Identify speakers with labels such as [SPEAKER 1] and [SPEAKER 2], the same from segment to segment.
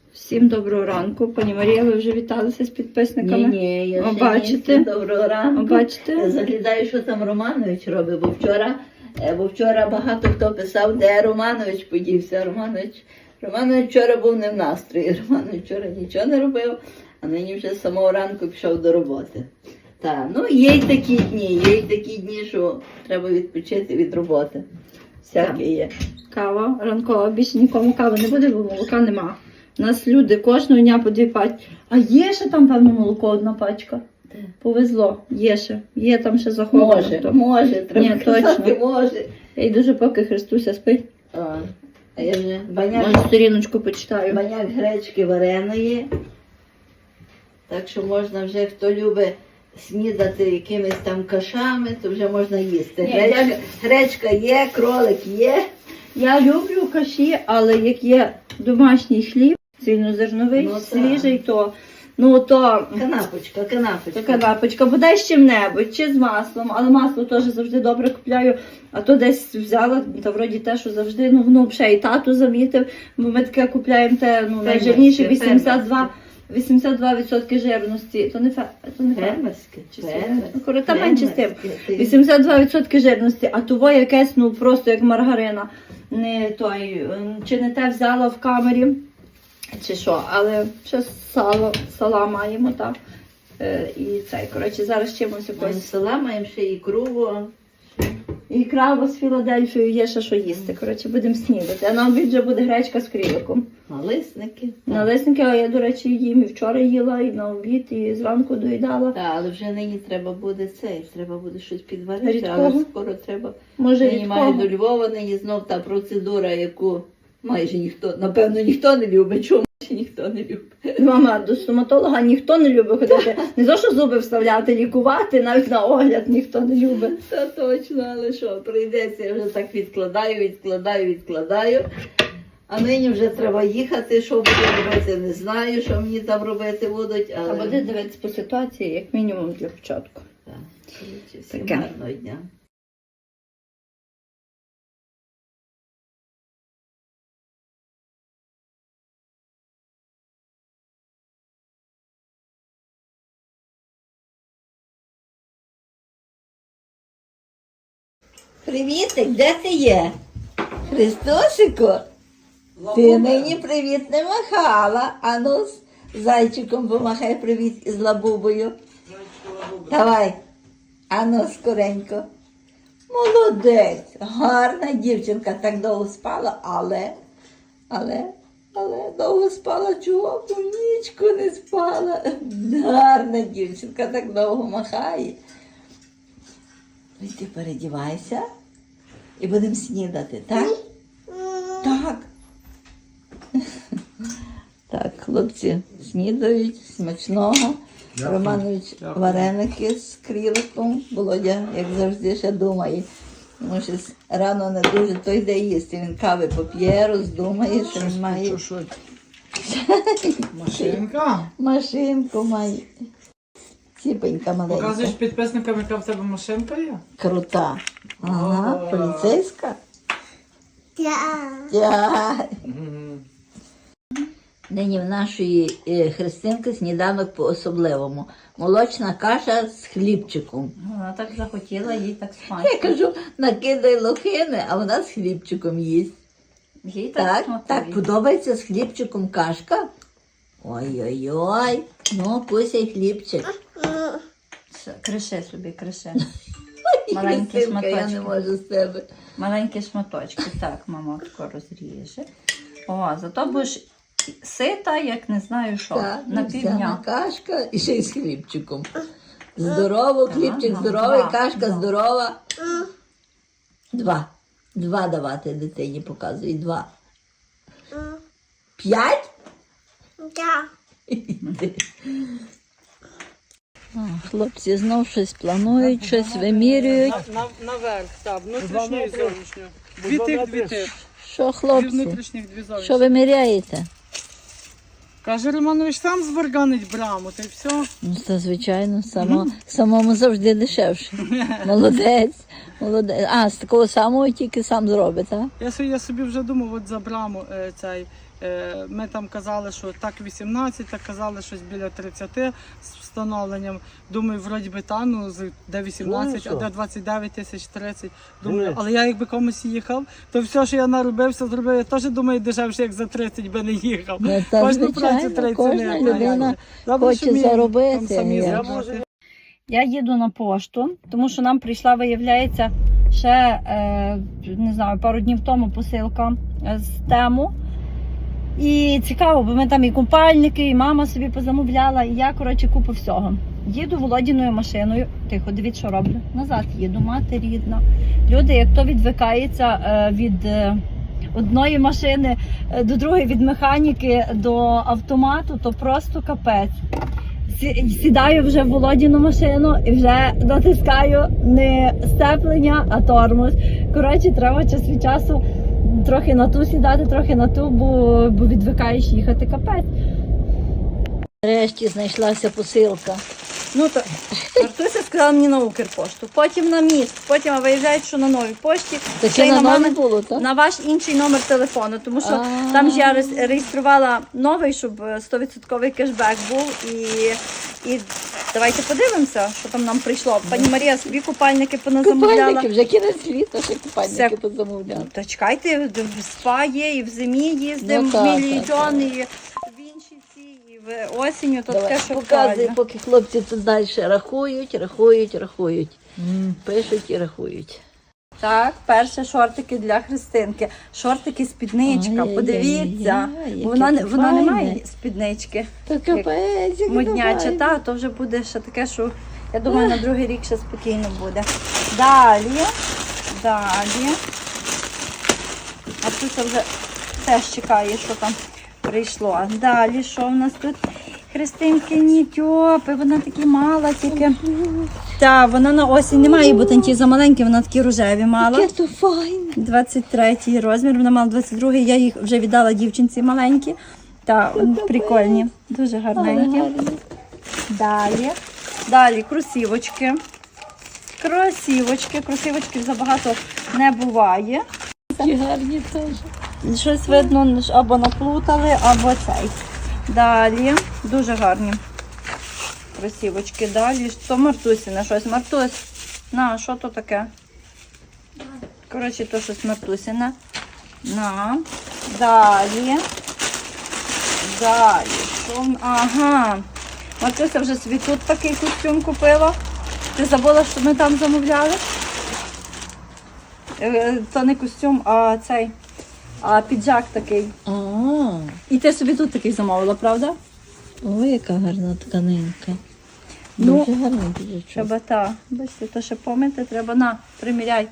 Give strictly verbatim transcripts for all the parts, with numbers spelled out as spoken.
[SPEAKER 1] Всім доброго ранку. Пані Марія, ви вже віталися з підписниками?
[SPEAKER 2] Ні, ні, я
[SPEAKER 1] О,
[SPEAKER 2] ще
[SPEAKER 1] бачите?
[SPEAKER 2] ні. Доброго ранку.
[SPEAKER 1] О, бачите?
[SPEAKER 2] Я заглядаю, що там Романович робить, бо вчора, е, бо вчора багато хто писав, де Романович подівся. Романович, Романович вчора був не в настрої, Романович вчора нічого не робив, а нині вже з самого ранку пішов до роботи. Так, ну є й такі дні, є й такі дні, що треба відпочити від роботи. Всяке є.
[SPEAKER 1] Кава ранкова, більше нікому кави не буде, бо молока нема. У нас люди кожного дня по дві пачки. А є ще там, певно, молоко одна пачка?
[SPEAKER 2] Де?
[SPEAKER 1] Повезло, є ще. Є там ще заховано.
[SPEAKER 2] Може,
[SPEAKER 1] То.
[SPEAKER 2] може, треба
[SPEAKER 1] Ні,
[SPEAKER 2] казати,
[SPEAKER 1] точно.
[SPEAKER 2] може.
[SPEAKER 1] Я йду вже поки Христуся спить.
[SPEAKER 2] А, а я вже баняк.
[SPEAKER 1] Може, сторіночку почитаю.
[SPEAKER 2] Баняк гречки вареної. Так що можна вже, хто любить снідати якимись там кашами, то вже можна їсти.
[SPEAKER 1] Ні,
[SPEAKER 2] Гречка,
[SPEAKER 1] я-
[SPEAKER 2] гречка є, кролик є.
[SPEAKER 1] Я люблю каші, але як є домашній хліб, цільнозерновий,
[SPEAKER 2] Ну, так.
[SPEAKER 1] свіжий, то, ну, то
[SPEAKER 2] Канапочка, канапочка.
[SPEAKER 1] така лапочка, бодай з чим-небудь, чи з маслом, але масло теж завжди добре купляю, а то десь взяла, та вроді те, що завжди, ну, ну, ще і тату замітив, бо ми таке купляємо те, ну, найжирніше
[SPEAKER 2] Фермерське,
[SPEAKER 1] вісімдесят два вісімдесят два відсотки жирності, то не фе, то не фе.
[SPEAKER 2] Фермерське,
[SPEAKER 1] Чи
[SPEAKER 2] фермерське,
[SPEAKER 1] Ну, коротше, та менше з тим.
[SPEAKER 2] фермерське.
[SPEAKER 1] вісімдесят два відсотки жирності, а того якесь, ну, просто як маргарина. Не той, ем, чи не те взяла в камері, чи що, але ще сало, сала маємо, так. Е, і цей, коротше, зараз чимось
[SPEAKER 2] Маємо
[SPEAKER 1] якось.
[SPEAKER 2] села, маємо ще ікру.
[SPEAKER 1] І крава з Філадельфією є ще що їсти. Коротше, будемо снідати. А на обід вже буде гречка з кріликом.
[SPEAKER 2] Налисники.
[SPEAKER 1] Налисники, а я, до речі, їм і вчора їла, і на обід, і зранку доїдала.
[SPEAKER 2] Так, але вже нині треба буде цей, треба буде щось підварити,
[SPEAKER 1] Рідкого?
[SPEAKER 2] але скоро треба.
[SPEAKER 1] Може,
[SPEAKER 2] Нині маю
[SPEAKER 1] рідкого?
[SPEAKER 2] до Львова, нині знов та процедура, яку майже ніхто, напевно, ніхто не любить. Чому майже ніхто не любить?
[SPEAKER 1] Мама, до стоматолога ніхто не любить ходити. Не то, що зуби вставляти, лікувати, навіть на огляд ніхто не любить.
[SPEAKER 2] Та точно, але що, прийдеться, я вже так відкладаю, відкладаю, відкладаю. А нині вже треба їхати, що буду робити, не знаю, що мені там робити будуть,
[SPEAKER 1] А
[SPEAKER 2] але...
[SPEAKER 1] буде дивитися по ситуації, як мінімум для початку.
[SPEAKER 2] Так, коротше, всім
[SPEAKER 1] Таке.
[SPEAKER 2] гарного дня. Привітик, де ти є? Христосику? Ти нині привіт не махала. Ану, з зайчиком помахай привіт із лабубою. Давай. Ану, скоренько. Молодець, гарна дівчинка, так довго спала, але, але, але довго спала, чого б нічку не спала. Гарна дівчинка, так довго махає. Ну, ти передівайся і будемо снідати, так? Так. Так, хлопці снідають, смачного. Романович вареники з кріликом. Володя, як завжди, ще думає. Може, рано не дуже, то йде їсти. Він кави поп'є, роздумає, що він має.
[SPEAKER 3] Машинка?
[SPEAKER 2] Машинку має. Ціпенька маленька.
[SPEAKER 3] Показуєш підписникам, яка в тебе машинка є?
[SPEAKER 2] Крута. Ага,
[SPEAKER 3] О.
[SPEAKER 2] поліцейська. Так. Нині в нашої е, Христинки сніданок по-особливому. Молочна каша з хлібчиком.
[SPEAKER 1] Вона так захотіла, їй так
[SPEAKER 2] Я
[SPEAKER 1] смачно.
[SPEAKER 2] кажу, накидай лохини, а вона з хлібчиком їсть.
[SPEAKER 1] Їй так
[SPEAKER 2] Так,
[SPEAKER 1] смакує.
[SPEAKER 2] так, подобається з хлібчиком кашка? Ой-ой-ой, ну кусай хлібчик.
[SPEAKER 1] Все, криши собі, криши.
[SPEAKER 2] Ой,
[SPEAKER 1] Маленькі
[SPEAKER 2] Христинка, я не
[SPEAKER 1] шматочки.
[SPEAKER 2] можу з тебе.
[SPEAKER 1] Маленькі шматочки. Так, мама тако розріже. О, зато будеш сита, як не знаю що,
[SPEAKER 2] Так,
[SPEAKER 1] на
[SPEAKER 2] вся
[SPEAKER 1] півдня.
[SPEAKER 2] кашка і ще й з хлібчиком. Здорово, хлібчик
[SPEAKER 1] Ага,
[SPEAKER 2] здоровий,
[SPEAKER 1] два,
[SPEAKER 2] кашка
[SPEAKER 1] два.
[SPEAKER 2] здорова. Два. Два давати дитині показуй. Два. П'ять? А, хлопці знов щось планують, щось вимірюють.
[SPEAKER 3] На, наверх, так, внутрішню і зовнішню. Дві тих, дві тих.
[SPEAKER 2] Що,
[SPEAKER 3] Дві
[SPEAKER 2] хлопці?
[SPEAKER 3] внутрішніх, дві зовнішніх.
[SPEAKER 2] Що виміряєте?
[SPEAKER 3] Каже Романович, сам зварганить браму, та й все.
[SPEAKER 2] Ну, це звичайно, само, самому завжди дешевше. Молодець, молодець. А, з такого самого тільки сам зробить, так?
[SPEAKER 3] Я собі, я собі вже думав, от за браму е, цей, Е, Ми там казали, що так вісімнадцять, так казали щось біля тридцяти з встановленням. Думаю, вроді би та, ну, з- де вісімнадцять, а де двадцять дев'ять тисяч тридцять. Думаю, але я якби комусь їхав, то все, що я наробив, все зробив, я теж думаю, дешевше, як за тридцять би не їхав.
[SPEAKER 2] Ну, та,
[SPEAKER 3] Кожну працю
[SPEAKER 2] звичайно,
[SPEAKER 3] треба
[SPEAKER 2] кожна
[SPEAKER 3] цінити.
[SPEAKER 2] людина
[SPEAKER 3] Добре,
[SPEAKER 2] хоче
[SPEAKER 3] що вміємо
[SPEAKER 2] заробити,
[SPEAKER 3] там самі
[SPEAKER 2] як
[SPEAKER 3] заробити.
[SPEAKER 1] Я їду на пошту, тому що нам прийшла, виявляється, ще е, не знаю, пару днів тому посилка е, з тему. І цікаво, бо ми там і купальники, і мама собі позамовляла, і я, коротше, купу всього. Їду Володіною машиною, тихо, дивіться, що роблю. Назад їду, мати рідна. Люди, як то відвикається е, від е, одної машини е, до другої, від механіки до автомату, то просто капець. Сі- Сідаю вже в Володіну машину і вже натискаю не сцеплення, а тормоз. Коротше, треба час від часу трохи на ту сідати, трохи на ту, бо, бо відвикаєш їхати, капець.
[SPEAKER 2] Нарешті знайшлася посилка.
[SPEAKER 1] Ну то Артуся сказала мені на Укрпошту, потім на міст, потім виявляють, що на новій пошті.
[SPEAKER 2] Та
[SPEAKER 1] Ще й
[SPEAKER 2] чи на
[SPEAKER 1] мамин-
[SPEAKER 2] нові було, так?
[SPEAKER 1] на ваш інший номер телефону, тому що
[SPEAKER 2] А.
[SPEAKER 1] там ж я реєс- реєструвала новий, щоб сто відсотків кешбек був. І, і давайте подивимося, що там нам прийшло. Пані Марія собі купальники поназамовляла.
[SPEAKER 2] Купальники, вже кінець літа, ще купальники
[SPEAKER 1] Все.
[SPEAKER 2] позамовляли.
[SPEAKER 1] Та чекайте, в спа є, і в зимі їздимо,
[SPEAKER 2] Ну,
[SPEAKER 1] в
[SPEAKER 2] так,
[SPEAKER 1] Мілі
[SPEAKER 2] так,
[SPEAKER 1] Джон, і в інші ці, і в осінню, то
[SPEAKER 2] Давай,
[SPEAKER 1] таке, що
[SPEAKER 2] показуй,
[SPEAKER 1] правильно.
[SPEAKER 2] поки хлопці тут далі рахують, рахують, рахують. Пишуть і рахують.
[SPEAKER 1] Так, перше шортики для Христинки. Шортики спідничка,
[SPEAKER 2] Ай-яй-яй-яй,
[SPEAKER 1] подивіться.
[SPEAKER 2] яке
[SPEAKER 1] Вона, не-
[SPEAKER 2] це
[SPEAKER 1] вона не
[SPEAKER 2] файне.
[SPEAKER 1] має спіднички.
[SPEAKER 2] Та капець, як
[SPEAKER 1] Модняча,
[SPEAKER 2] файно.
[SPEAKER 1] та, то вже буде ще таке, що я думаю, на другий рік ще спокійно буде. Далі, далі. А тут вже теж чекає, що там прийшло. Далі, що в нас тут? Христинкині тьопи, вона такі мала тільки. Так, вона на осінь не має, бо танті замаленькі, вона такі рожеві мала.
[SPEAKER 2] Яке то файне.
[SPEAKER 1] двадцять третій розмір, вона мала двадцять другий, я їх вже віддала дівчинці маленькі. Та прикольні, дуже гарненькі. Далі. Далі кросівочки. Кросівочки. Кросівочків забагато не буває.
[SPEAKER 2] Такі гарні теж.
[SPEAKER 1] Щось видно, або наплутали, або цей. Далі. Дуже гарні кросівочки. Далі. То Мартусіне щось. Мартусь, на, що то таке? Коротше, то щось Мартусіне. На. Далі. Далі. Що? в- Ага. Мартуся вже собі тут такий костюм купила. Ти забула, що ми там замовляли? Е, То не костюм, а цей, а піджак такий.
[SPEAKER 2] А,
[SPEAKER 1] І ти собі тут такий замовила, правда?
[SPEAKER 2] ой, яка гарна тканинка.
[SPEAKER 1] Ну,
[SPEAKER 2] Дуже гарний піджачок.
[SPEAKER 1] Треба та. Бачите, то ще помити, треба на, приміряй.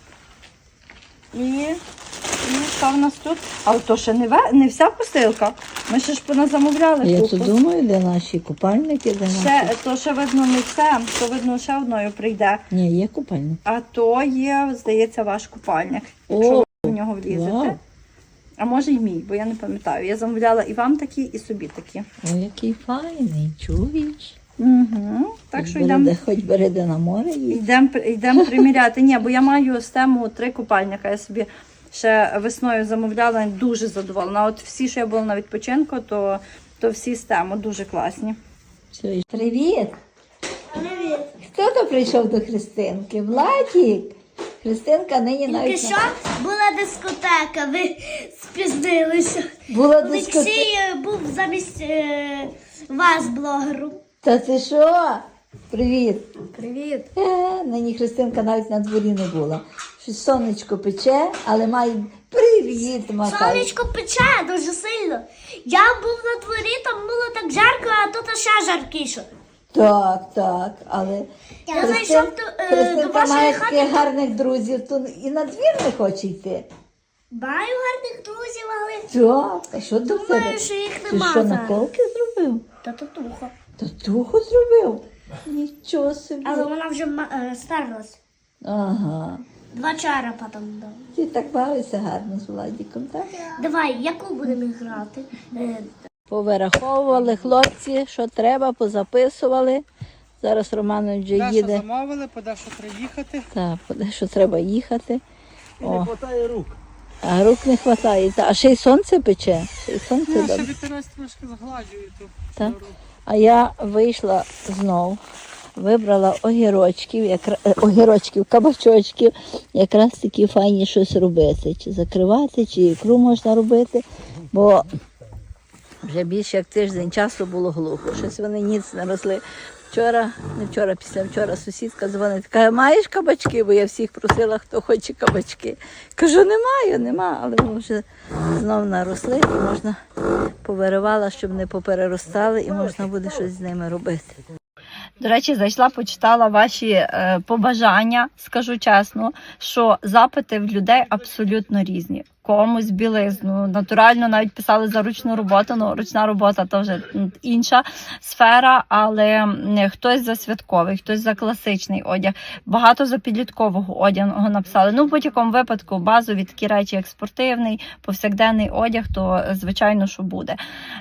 [SPEAKER 1] І, і що в нас тут? А то ще не, ве- не вся посилка. Ми ще ж поназамовляли
[SPEAKER 2] Я
[SPEAKER 1] купу.
[SPEAKER 2] тут думаю, де наші купальники, де наші.
[SPEAKER 1] Ще, то ще видно не все, то видно ще одною прийде.
[SPEAKER 2] Ні, є купальник.
[SPEAKER 1] А то є, здається, ваш купальник.
[SPEAKER 2] О,
[SPEAKER 1] Якщо ви в нього влізете.
[SPEAKER 2] вау.
[SPEAKER 1] А може й мій, бо я не пам'ятаю. Я замовляла і вам такі, і собі такі.
[SPEAKER 2] Ой, який файний, чуєш?
[SPEAKER 1] Угу. Так що
[SPEAKER 2] Хоч
[SPEAKER 1] йдемо.
[SPEAKER 2] береде- Хоч береде на море і
[SPEAKER 1] Йдемо йдем приміряти. Ні, бо я маю з тему три купальника. Я собі ще весною замовляла, дуже задоволена. От всі, що я була на відпочинку, то, то всі з тему дуже класні.
[SPEAKER 2] все. і- Привіт! Привіт! Хто то прийшов до Христинки? Владік! Христинка нині
[SPEAKER 4] Тільки
[SPEAKER 2] навіть
[SPEAKER 4] що була дискотека, ви спізнилися.
[SPEAKER 2] була дискотека.
[SPEAKER 4] Олексій е, був замість е, вас, блогеру.
[SPEAKER 2] Та ти що? Привіт!
[SPEAKER 4] Привіт.
[SPEAKER 2] Е, нині Христинка навіть на дворі не була. Щось сонечко пече, але має привіт, махай.
[SPEAKER 4] Сонечко пече дуже сильно. Я був на дворі, там було так жарко, а тут ще жаркіше.
[SPEAKER 2] Так, так, але
[SPEAKER 4] Я зайшов до, е, до
[SPEAKER 2] Христинка
[SPEAKER 4] вашої
[SPEAKER 2] має
[SPEAKER 4] хати.
[SPEAKER 2] таких гарних друзів, то і на двір не хоче йти.
[SPEAKER 4] Маю гарних друзів, але
[SPEAKER 2] Так, а що до тебе?
[SPEAKER 4] думаю, що їх
[SPEAKER 2] Ти
[SPEAKER 4] нема
[SPEAKER 2] що,
[SPEAKER 4] зараз.
[SPEAKER 2] наколки зробив?
[SPEAKER 4] Та татуха.
[SPEAKER 2] Татуху зробив? Нічого собі.
[SPEAKER 4] Але вона вже ма- е, старлась.
[SPEAKER 2] Ага.
[SPEAKER 4] Два черепа там дали.
[SPEAKER 2] Ти так бавишся гарно з Владіком, так?
[SPEAKER 4] Давай, яку будемо грати? Е,
[SPEAKER 2] Повираховували хлопці, що треба, позаписували. Зараз Романович вже
[SPEAKER 3] Дещо
[SPEAKER 2] їде.
[SPEAKER 3] замовили, поде що приїхати.
[SPEAKER 2] Так, куди що треба їхати.
[SPEAKER 5] І не
[SPEAKER 2] О,
[SPEAKER 5] хватає рук.
[SPEAKER 2] А рук не вистачає. А ще й сонце пече. Ще й сонце
[SPEAKER 3] Ну, ще
[SPEAKER 2] добре.
[SPEAKER 3] вітерець трошки згладжує ту.
[SPEAKER 2] Так.
[SPEAKER 3] руку.
[SPEAKER 2] А я вийшла знов, вибрала огірочків, якра... е, огірочків, кабачочків, якраз такі файні щось робити. Чи закривати, чи ікру можна робити, бо вже більше як тиждень часу було глухо. Щось вони ніц не росли. Вчора, не вчора, після вчора сусідка дзвонить, каже, маєш кабачки? Бо я всіх просила, хто хоче кабачки. Кажу, немає, нема, але вони вже знов наросли і можна повиривала, щоб не попереростали, і можна буде щось з ними робити.
[SPEAKER 1] До речі, зайшла, почитала ваші е, побажання. Скажу чесно, що запити в людей абсолютно різні. Комусь білизну, натурально навіть писали за ручну роботу, ну ручна робота то вже інша сфера, але м, хтось за святковий, хтось за класичний одяг, багато за підліткового одягу написали. Ну, в будь-якому випадку базові такі речі, як спортивний, повсякденний одяг, то звичайно, що буде.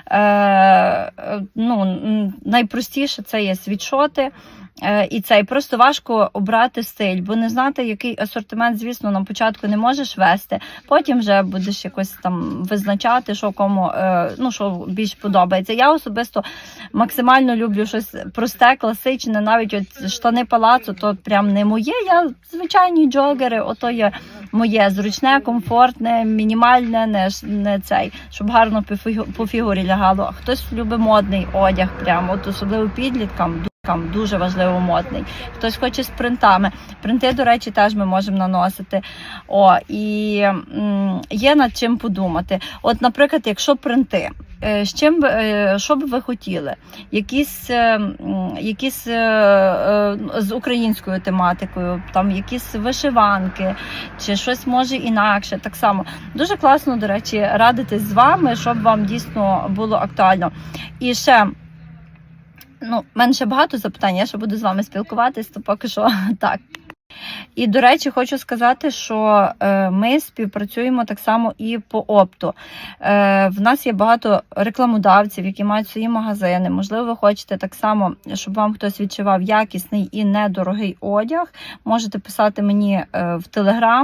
[SPEAKER 1] Е, ну, м, найпростіше це є світшоти. Е, І це і просто важко обрати стиль, бо не знати, який асортимент, звісно, на початку не можеш вести. Потім вже будеш якось там визначати, що кому е, ну, що більш подобається. Я особисто максимально люблю щось просте, класичне, навіть от штани палацу, то прям не моє. Я звичайні джогери, ото є моє зручне, комфортне, мінімальне, не, ж- не цей, щоб гарно по фігу- по фігурі лягало. А хтось любить модний одяг, прямо от особливо підліткам. Там дуже важливо модний. Хтось хоче з принтами. Принти, до речі, теж ми можемо наносити. О, і м, є над чим подумати. От, наприклад, якщо принти, е, з чим, би, е, що б ви хотіли? Якісь, е, м, якісь е, е, з українською тематикою, там якісь вишиванки, чи щось може інакше. Так само. Дуже класно, до речі, радитись з вами, щоб вам дійсно було актуально. І ще Ну, в мене ще багато запитань, я ще буду з вами спілкуватись, то поки що так. І, до речі, хочу сказати, що е, ми співпрацюємо так само і по опту. Е, в нас є багато рекламодавців, які мають свої магазини. Можливо, ви хочете так само, щоб вам хтось відшивав якісний і недорогий одяг. Можете писати мені е, в Телеграм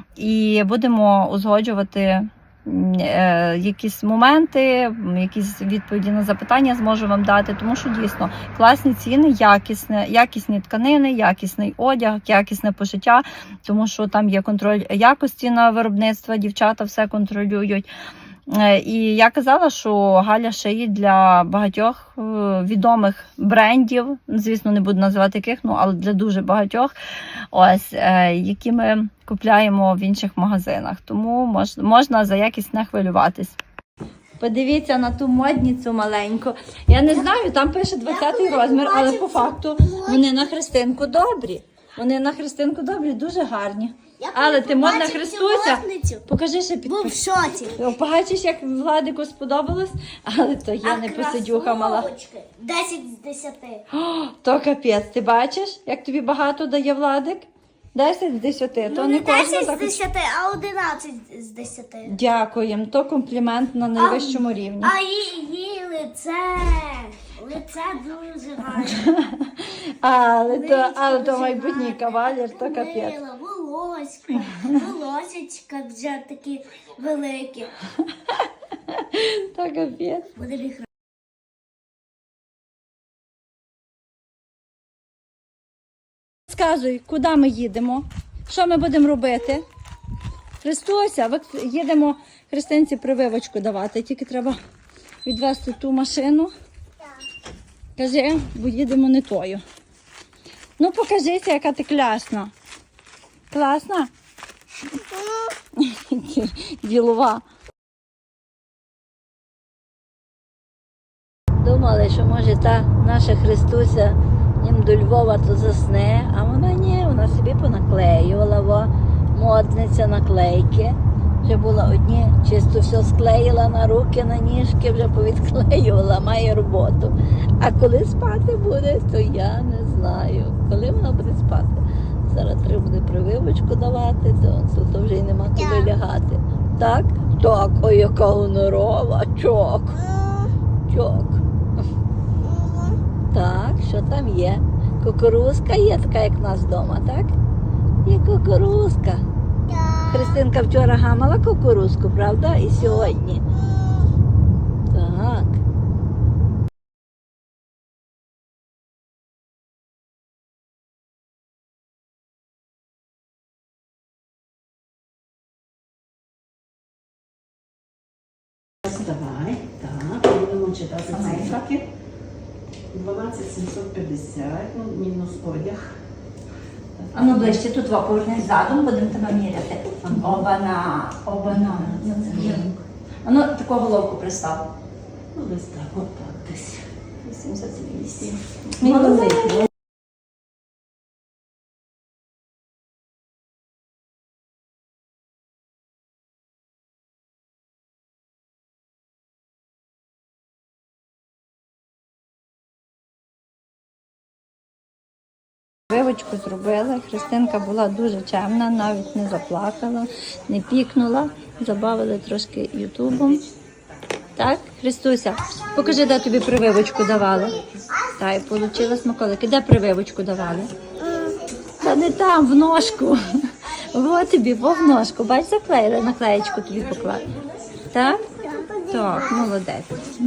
[SPEAKER 1] і будемо узгоджувати Е, якісь моменти, якісь відповіді на запитання зможу вам дати, тому що дійсно класні ціни, якісне, якісні тканини, якісний одяг, якісне пошиття, тому що там є контроль якості на виробництво, дівчата все контролюють. Е, І я казала, що Галя шиє для багатьох е, відомих брендів, звісно, не буду називати яких, ну, але для дуже багатьох, ось, е, які ми купляємо в інших магазинах. Тому мож, можна за якість не хвилюватись. Подивіться на ту модницю маленьку. Я не знаю, там пише двадцятий розмір, але по факту вони на Христинку добрі. Вони на Христинку добрі, дуже гарні. Але ти модна Христуся. Покажи ще під.
[SPEAKER 4] Був в шоці.
[SPEAKER 1] Побачиш, як Владику сподобалось, але то я не посидюха мала.
[SPEAKER 4] Красуночки. десять з десяти.
[SPEAKER 1] О, то капець, ти бачиш, як тобі багато дає Владик? десять з десяти, то
[SPEAKER 4] Ну,
[SPEAKER 1] не
[SPEAKER 4] не
[SPEAKER 1] кожна
[SPEAKER 4] десять з
[SPEAKER 1] так.
[SPEAKER 4] десяти, а одинадцять з десяти.
[SPEAKER 1] Дякуємо, то комплімент на найвищому рівні.
[SPEAKER 4] А її, її лице. Лице дуже гарне.
[SPEAKER 1] Але то, але то майбутній кавалер, то капець.
[SPEAKER 4] Мила, волоська, волосечка вже такі великі.
[SPEAKER 1] То капець.
[SPEAKER 4] Буде біг.
[SPEAKER 1] Сказуй, куди ми їдемо? Що ми будемо робити? Христуся, ви їдемо Христинці прививочку давати, тільки треба відвести ту машину. Кажи, бо їдемо не тою. Ну, покажися, яка ти класна. Класна? Ділова.
[SPEAKER 2] Думали, що може та наша Христуся їм до Львова то засне, а вона ні, вона собі понаклеювала, во, модниця наклейки. Вже була одні, чисто все склеїла на руки, на ніжки, вже повідклеювала, має роботу. А коли спати буде, то я не знаю. Коли вона буде спати? Зараз треба буде прививочку давати, то, то, то вже й нема куди лягати. Так? Так, ой, яка гонорова, чок. Чок. Так, що там є? Кукурузка є така, як в нас вдома, так? Є кукурузка. Христинка вчора гамала кукурузку, правда? І сьогодні. Так.
[SPEAKER 5] Давай, так, будемо читати цифри. дванадцять сімсот п'ятдесят, ну, мінус одяг.
[SPEAKER 1] А ну ближче тут два повернись задом, будемо тебе міряти. Обана, обана. А ну таку головку пристав.
[SPEAKER 5] Ну, десь так, от так, десь.
[SPEAKER 1] вісімдесят вісім.
[SPEAKER 2] Молодець.
[SPEAKER 1] Вивочку зробили. Христинка була дуже чемна, навіть не заплакала, не пікнула. Забавили трошки ютубом. Так, Христуся, покажи, де тобі прививочку давали. Та й отримала смаколики. Де прививочку давали? Та не там, в ножку. Вот тобі, во в ножку. Бач, заклеїли, наклеєчку тобі поклали. Так? Так, молодець.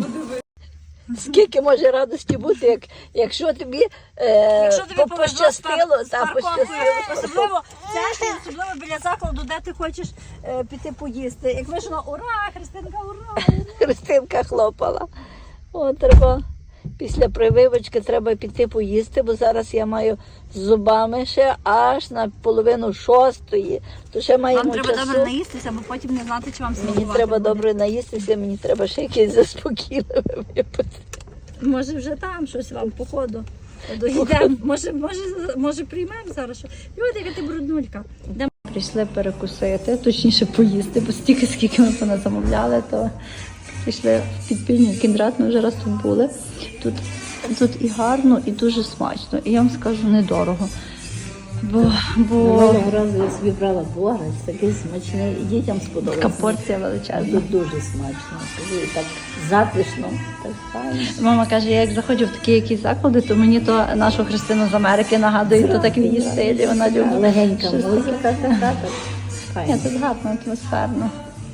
[SPEAKER 2] Скільки може радості бути, як, якщо тобі, е,
[SPEAKER 1] Якщо тобі
[SPEAKER 2] по-
[SPEAKER 1] повезло з
[SPEAKER 2] пощастило,
[SPEAKER 1] пар- з
[SPEAKER 2] та,
[SPEAKER 1] парковкою,
[SPEAKER 2] пощастило.
[SPEAKER 1] особливо це, і особливо біля закладу, де ти хочеш е, піти поїсти. Як вийшло, ура, Христинка, ура!
[SPEAKER 2] Христинка хлопала. О, треба після прививочки треба піти поїсти, бо зараз я маю з зубами ще аж на половину шостої. То ще маємо
[SPEAKER 1] Вам треба
[SPEAKER 2] часу.
[SPEAKER 1] добре наїстися, бо потім не знати, чи вам
[SPEAKER 2] Мені
[SPEAKER 1] смакувати
[SPEAKER 2] треба
[SPEAKER 1] буде.
[SPEAKER 2] добре наїстися, мені треба ще якесь заспокійливе випити.
[SPEAKER 1] Може вже там щось вам, походу. Доїдемо. Може, може, може приймемо зараз. Що... Люди, яка ти бруднулька. Де прийшли перекусити, точніше поїсти, бо стільки, скільки ми поназамовляли, то прийшли в підпільний кіндрат, ми вже раз тут були. Тут, тут і гарно, і дуже смачно. І я вам скажу, недорого. Бо, бо
[SPEAKER 2] Минулого разу я собі брала борець, такий смачний, і дітям сподобалося.
[SPEAKER 1] така порція величезна.
[SPEAKER 2] Тут дуже смачно, скажу, і так затишно, так файно.
[SPEAKER 1] Мама каже, я як заходжу в такі якісь заклади, то мені то нашу Христину з Америки нагадує, то так в її стилі, вона любить.
[SPEAKER 2] Легенька
[SPEAKER 1] щось
[SPEAKER 2] музика,
[SPEAKER 1] таке.
[SPEAKER 2] така, так
[SPEAKER 1] Ні,
[SPEAKER 2] файно.
[SPEAKER 1] тут гарно, атмосферно.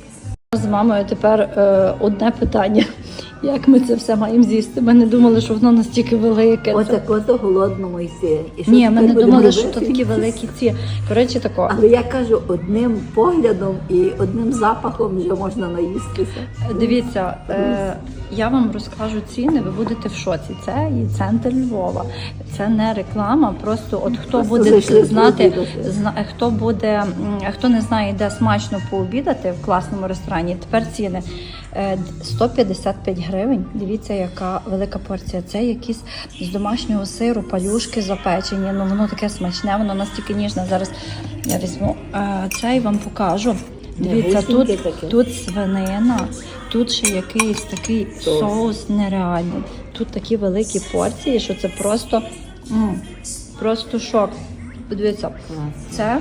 [SPEAKER 1] З мамою тепер е, одне питання. Як ми це все маємо з'їсти? Ми не думали, що воно настільки велике.
[SPEAKER 2] Отак ото голодному йти. І що
[SPEAKER 1] Ні, ми
[SPEAKER 2] тепер
[SPEAKER 1] не
[SPEAKER 2] будемо
[SPEAKER 1] думали, що
[SPEAKER 2] робити?
[SPEAKER 1] то такі великі ці. Коротше, тако.
[SPEAKER 2] Але я кажу, одним поглядом і одним запахом вже можна наїстися.
[SPEAKER 1] Дивіться, е, я вам розкажу ціни, ви будете в шоці. Це є центр Львова. Це не реклама, просто от хто
[SPEAKER 2] Просто
[SPEAKER 1] буде
[SPEAKER 2] зайшли
[SPEAKER 1] знати,
[SPEAKER 2] пообідати.
[SPEAKER 1] зна, хто буде, м, хто не знає, де смачно пообідати в класному ресторані, тепер ціни. Е, сто п'ятдесят п'ять гривень. Дивіться, яка велика порція. Це якісь з домашнього сиру, палюшки запечені. Ну воно таке смачне, воно настільки ніжне. Зараз я візьму е, це і вам покажу. Дивіться, тут,
[SPEAKER 2] Густеньке таке.
[SPEAKER 1] тут свинина, тут ще якийсь такий соус нереальний. Тут такі великі порції, що це просто, м, просто шок. Подивіться, це,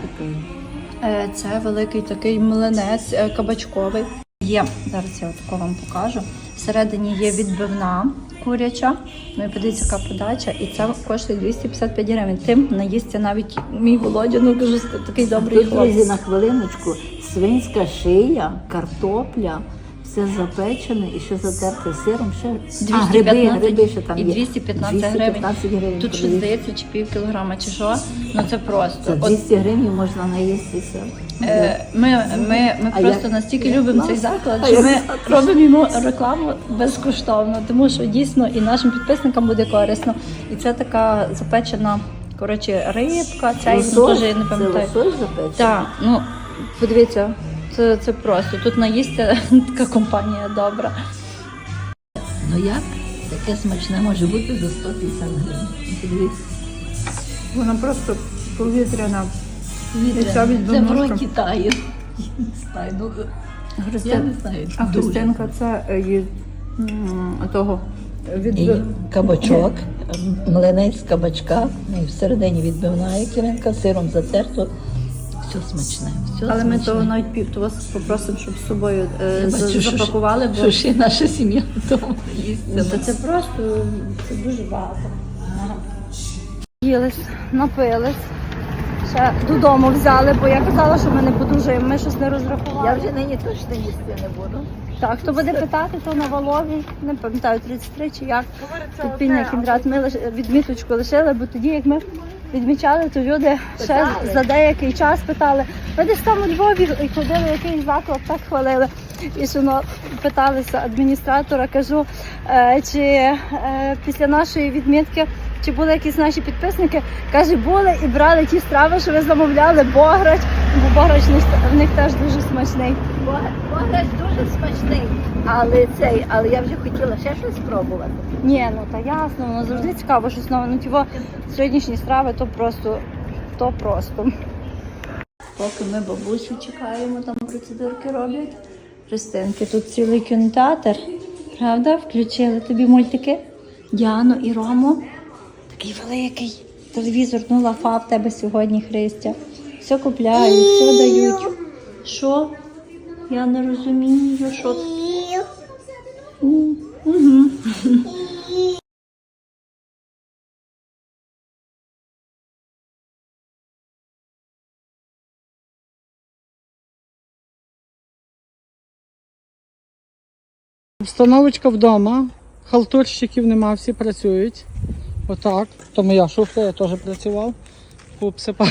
[SPEAKER 1] е, це великий такий млинець е, кабачковий. Є, зараз я отако вам покажу. Всередині є відбивна куряча. Ну і подивіться, яка подача. І це коштує двісті п'ятдесят п'ять гривень. Тим наїсться навіть мій Володя, ну дуже такий добрий
[SPEAKER 2] Тут, друзі,
[SPEAKER 1] хлопець.
[SPEAKER 2] на хвилиночку, свинська шия, картопля, все запечене і ще затерте сиром. Ще...
[SPEAKER 1] двісті
[SPEAKER 2] А, гриби,
[SPEAKER 1] п'ятнадцять
[SPEAKER 2] гриби ще там
[SPEAKER 1] і
[SPEAKER 2] є.
[SPEAKER 1] двісті п'ятнадцять
[SPEAKER 2] двісті
[SPEAKER 1] гривень.
[SPEAKER 2] п'ятнадцять гривень.
[SPEAKER 1] Тут щось
[SPEAKER 2] подивіться.
[SPEAKER 1] здається, чи пів кілограма, чи що. Ну це просто.
[SPEAKER 2] За
[SPEAKER 1] От,
[SPEAKER 2] двісті гривень можна наїстися.
[SPEAKER 1] е, ми ми, ми
[SPEAKER 2] А
[SPEAKER 1] просто
[SPEAKER 2] як-
[SPEAKER 1] настільки
[SPEAKER 2] як
[SPEAKER 1] любимо
[SPEAKER 2] класно.
[SPEAKER 1] цей заклад,
[SPEAKER 2] А
[SPEAKER 1] що
[SPEAKER 2] як
[SPEAKER 1] ми
[SPEAKER 2] класно.
[SPEAKER 1] робимо йому рекламу безкоштовно, тому що дійсно і нашим підписникам буде корисно. І це така запечена, коротше, рибка, ця і
[SPEAKER 2] Лосось?
[SPEAKER 1] теж я не
[SPEAKER 2] Це
[SPEAKER 1] пам'ятаю.
[SPEAKER 2] лосось запечений?
[SPEAKER 1] Так, ну подивіться, це, це просто. Тут наїсться така компанія добра.
[SPEAKER 2] Ну як? Таке смачне може бути за сто п'ятдесят гривень. Подивіться.
[SPEAKER 3] Вона просто повітряна.
[SPEAKER 2] Це в роті тає. Не знаю, ну, я
[SPEAKER 1] Христин...
[SPEAKER 2] не знаю.
[SPEAKER 3] А
[SPEAKER 2] дуже.
[SPEAKER 3] Христинка це е, є м, того від
[SPEAKER 2] І кабачок, млинець з кабачка, ну, і всередині відбивна якіринка, сиром затерто. Все смачне. Все
[SPEAKER 1] Але ми
[SPEAKER 2] смачне.
[SPEAKER 1] того навіть пів, то вас попросимо, щоб з собою е,
[SPEAKER 2] Я
[SPEAKER 1] за-
[SPEAKER 2] бачу, що
[SPEAKER 1] запакували, бо
[SPEAKER 2] Що ж і наша сім'я вдома їсть.
[SPEAKER 1] Та це просто це дуже багато. Їлись, напились. ще додому взяли, бо я казала, що ми не подужаємо, ми щось не розрахували.
[SPEAKER 2] Я вже нині точно їсти не буду.
[SPEAKER 1] Так, хто буде питати, то на Валові, не пам'ятаю, тридцять три чи як. Підпільний кіндрат. Ми лиш- відміточку лишили, бо тоді, як ми відмічали, то люди ще
[SPEAKER 2] Питали.
[SPEAKER 1] за деякий час питали, ви десь там у Львові і ходили, якийсь заклад, так хвалили. І що ну, питалися адміністратора, кажу, е, чи е, після нашої відмітки, чи були якісь наші підписники, каже, були і брали ті страви, що ви замовляли, бограч, бо бограч в них- в них теж дуже смачний.
[SPEAKER 2] Бограч дуже смачний, але цей, але я вже хотіла ще щось спробувати.
[SPEAKER 1] Ні, ну та ясно, воно завжди цікаво, щось нове. Ну тіво сьогоднішні страви, то просто, то просто. Поки ми бабусю чекаємо, там процедурки роблять. Христинки, тут цілий кінотеатр, правда? Включили тобі мультики Діану і Рому. Такий великий телевізор, ну лафа в тебе сьогодні, Христя. Все купляють, все дають. Що? Я не розумію, що це. Угу.
[SPEAKER 3] Встановочка вдома, халтурщиків нема, всі працюють. Отак. То моя шуфля, я теж працював. Пообсипали.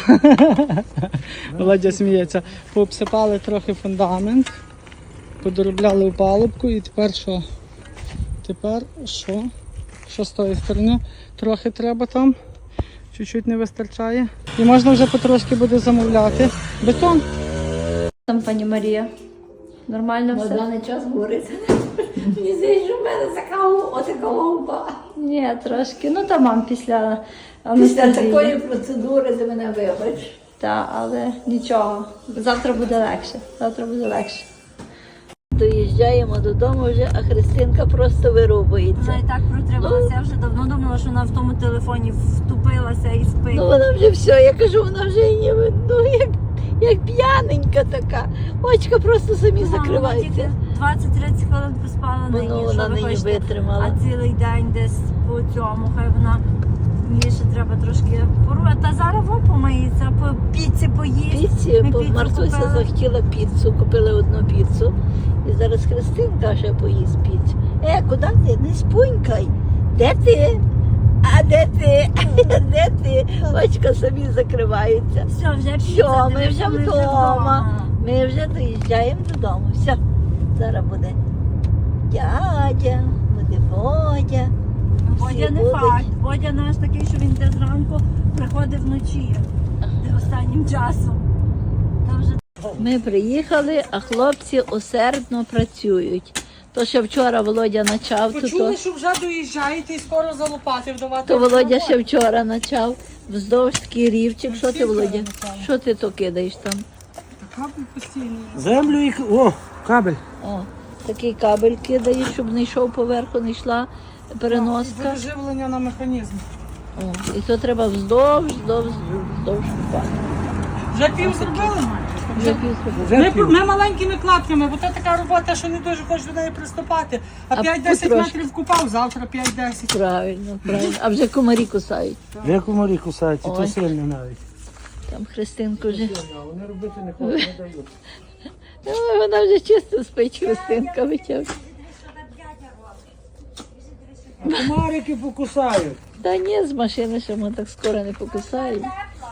[SPEAKER 3] Володя сміється. Пообсипали трохи фундамент, подоробляли опалубку і тепер що? Тепер що? Що з тої сторони? Трохи треба там. Чуть-чуть не вистачає. І можна вже потрошки буде замовляти. Бетон.
[SPEAKER 1] Там пані Марія. Нормально
[SPEAKER 2] На
[SPEAKER 1] все?
[SPEAKER 2] даний час говориться. Мені здається, що в мене така отака ломба.
[SPEAKER 1] Ні, трошки. Ну та мам після
[SPEAKER 2] Після
[SPEAKER 1] анестезії.
[SPEAKER 2] такої процедури ти мене вибач.
[SPEAKER 1] Та, але нічого. Завтра буде легше. Завтра буде легше.
[SPEAKER 2] Доїжджаємо додому вже, а Христинка просто вирубується.
[SPEAKER 1] Вона і так протрималася. Я вже давно думала, що вона в тому телефоні втупилася і спить.
[SPEAKER 2] Ну вона вже все, я кажу, вона вже ніби, ну як, як п'яненька така. Очка просто самі закриваються.
[SPEAKER 1] двадцять-тридцять хвилин поспала
[SPEAKER 2] Ну,
[SPEAKER 1] нині,
[SPEAKER 2] ну,
[SPEAKER 1] що
[SPEAKER 2] вона
[SPEAKER 1] ви
[SPEAKER 2] нині
[SPEAKER 1] хочете.
[SPEAKER 2] витримала.
[SPEAKER 1] А цілий день десь по цьому, хай вона їй ще треба трошки порвати. Та зараз во помиється, по піці поїсть.
[SPEAKER 2] Піці,
[SPEAKER 1] Ми
[SPEAKER 2] бо
[SPEAKER 1] піцу
[SPEAKER 2] Мартуся
[SPEAKER 1] купили.
[SPEAKER 2] захотіла піцу, купили одну піцу. І зараз Христинка ще поїсть піцу. Е, куди ти? Не спунькай. Де ти? А де ти? Де ти? Очка самі закриваються.
[SPEAKER 1] Все, вже
[SPEAKER 2] Все,
[SPEAKER 1] піца,
[SPEAKER 2] ми
[SPEAKER 1] дивися,
[SPEAKER 2] вже вдома. Ми вже доїжджаємо додому. Все, зараз буде дядя, буде Водя.
[SPEAKER 1] Водя
[SPEAKER 2] Всі
[SPEAKER 1] не
[SPEAKER 2] будуть.
[SPEAKER 1] факт. Водя наш такий, що він йде зранку, приходить вночі. Де останнім часом. Там вже
[SPEAKER 2] Ми приїхали, а хлопці усердно працюють. То, що вчора Володя почав, то, то,
[SPEAKER 3] Почули, що вже доїжджаєте і скоро за лопати вдавати.
[SPEAKER 2] то Володя ще вчора почав. Вздовж такий рівчик. Що ти, Володя? Що ти то кидаєш там?
[SPEAKER 3] Кабель постійний.
[SPEAKER 6] Землю і... О, кабель.
[SPEAKER 2] О, такий кабель кидаєш, щоб не йшов поверху, не йшла переноска.
[SPEAKER 3] Живлення на механізм.
[SPEAKER 2] О, і то треба вздовж, вздовж, вздовж купати.
[SPEAKER 3] Вже пів зробили?
[SPEAKER 2] Вже півтора.
[SPEAKER 6] Вже
[SPEAKER 3] Ми,
[SPEAKER 6] пів.
[SPEAKER 3] ми маленькими клапками, бо це така робота, що не дуже хочеш до неї приступати. А
[SPEAKER 2] А
[SPEAKER 3] п'ять-десять
[SPEAKER 2] потрошки.
[SPEAKER 3] метрів купав, завтра п'ять-десять.
[SPEAKER 2] Правильно, правильно. А вже комарі кусають.
[SPEAKER 6] Вже комарі кусають, і то
[SPEAKER 2] Ой.
[SPEAKER 6] сильно навіть.
[SPEAKER 2] Там Христинку вже.
[SPEAKER 6] Вони робити не хочуть, не дають.
[SPEAKER 2] Ой, вона вже чисто спить, Христинка витягла.
[SPEAKER 6] Комарики покусають.
[SPEAKER 2] Та ні, з машини ще ми так скоро не покусаємо.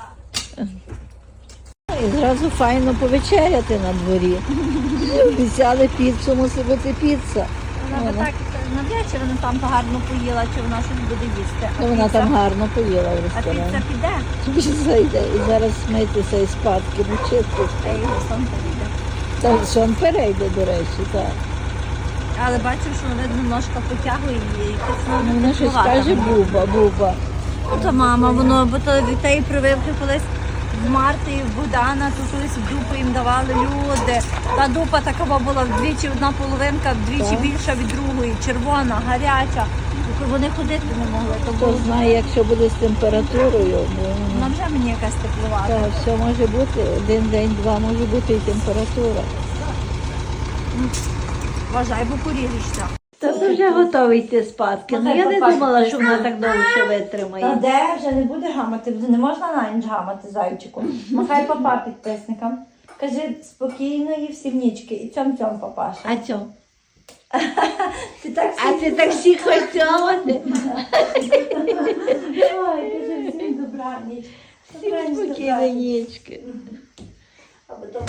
[SPEAKER 2] І зразу файно повечеряти на дворі. Обіцяли піцу, мусить бути піца.
[SPEAKER 1] вона би так на вечір вона там гарно поїла, чи вона щось буде їсти. А
[SPEAKER 2] Ну, вона
[SPEAKER 1] піца-
[SPEAKER 2] там гарно поїла в
[SPEAKER 1] А
[SPEAKER 2] ресторані.
[SPEAKER 1] піца піде,
[SPEAKER 2] Піца йде. І зараз смитися із спадки, ну
[SPEAKER 1] а
[SPEAKER 2] чиститься.
[SPEAKER 1] його сам піде.
[SPEAKER 2] Та сон перейде, до речі, так.
[SPEAKER 1] Але бачив, що вона немножко потягує її. якось, ну,
[SPEAKER 2] Ну, вона щось
[SPEAKER 1] теплувата
[SPEAKER 2] каже,
[SPEAKER 1] була.
[SPEAKER 2] буба, буба.
[SPEAKER 1] Ну, то мама, воно, бо то від тієї прививки колись в Марти і в Богдана, то колись дупи їм давали люди. Та дупа така була вдвічі, одна половинка, вдвічі
[SPEAKER 2] Так.
[SPEAKER 1] більша від другої, червона, гаряча. Вони ходити не могли. То
[SPEAKER 2] Хто
[SPEAKER 1] було
[SPEAKER 2] знає, якщо буде з температурою, бо
[SPEAKER 1] вона вже мені якась теплувата.
[SPEAKER 2] так, все може бути, один день, два може бути і температура.
[SPEAKER 1] Вважай, бо поріжешся.
[SPEAKER 2] Тато вже готовий йти спадки. Ну, я не думала, що вона так довго ще
[SPEAKER 1] Та
[SPEAKER 2] витримає.
[SPEAKER 1] де вже не буде гамати, не можна на ніч гамати, зайчику. Махай папа підписникам. Кажи спокійної всім нічки і цьом-цьом, папаша.
[SPEAKER 2] А цьо?
[SPEAKER 1] Ти так
[SPEAKER 2] А ти так всіх хотіла?
[SPEAKER 1] Ой, кажи всім добраніч. Добраніч,
[SPEAKER 2] Спокійно,
[SPEAKER 1] добраніч.
[SPEAKER 2] нічки.
[SPEAKER 1] А потім